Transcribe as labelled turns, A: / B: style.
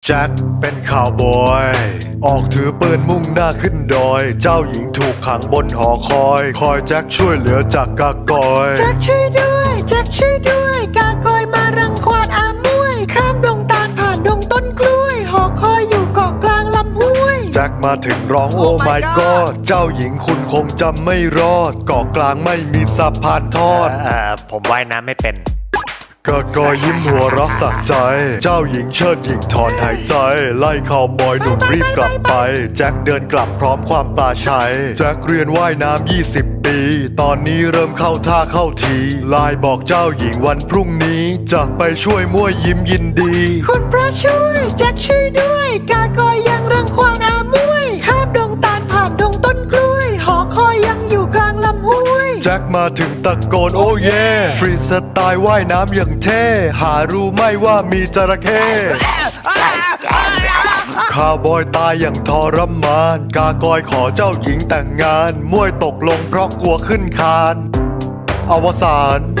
A: แจ็คเป็นข่าวบอยออกถือปืนมุ่งหน้าขึ้นดอยเจ้าหญิงถูกขังบนหอคอยแจ็คช่วยเหลือจากกากอย
B: แจ็คช่วยด้วยแจ็คช่วยด้วยกากอยมารังควานอามวยข้ามดงตาลผ่านดงต้นกล้วยหอคอยอยู่เกาะกลางลำห้วย
A: แจ็คมาถึงร้องโอ้ my god เจ้าหญิงคุณคงจำไม่รอดเกาะกลางไม่มีสะพานทอด
C: ผมว่ายน้ำไม่เป็น
A: กากอยยิ้มหัวเรักสักใจ เจ้าหญิงเชิดหญิงถอนหายใจ ไล่ข่าวบอยหนุ่มรีบกลับไปแจ็คเดินกลับพร้อมความปลาชัยแจ็คเรียนว่ายน้ำ20 ปี ตอนนี้เริ่มเข้าท่าเข้าทีไลน์บอกเจ้าหญิงวันพรุ่งนี้จะไปช่วยมั่วยิ้มยินดี
B: คุณพระช่วยแจ็คช่วยด้วยกากอยยังรังควานอามวยข้ามดงตาลผ่านดงต้นกล้วยหอคอยยังอยู่กลางลำห้วย
A: แจ็คมาถึงตะโกนโอ้เย่ฟรีสไตล์ว่ายน้ำอย่างเท่หารู้ไหม่ว่ามีจระเข้ข้าวบอยตายอย่างทรมานกากอยขอเจ้าหญิงแต่งงานมวยตกลงเพราะกลัวขึ้นคานอวสาน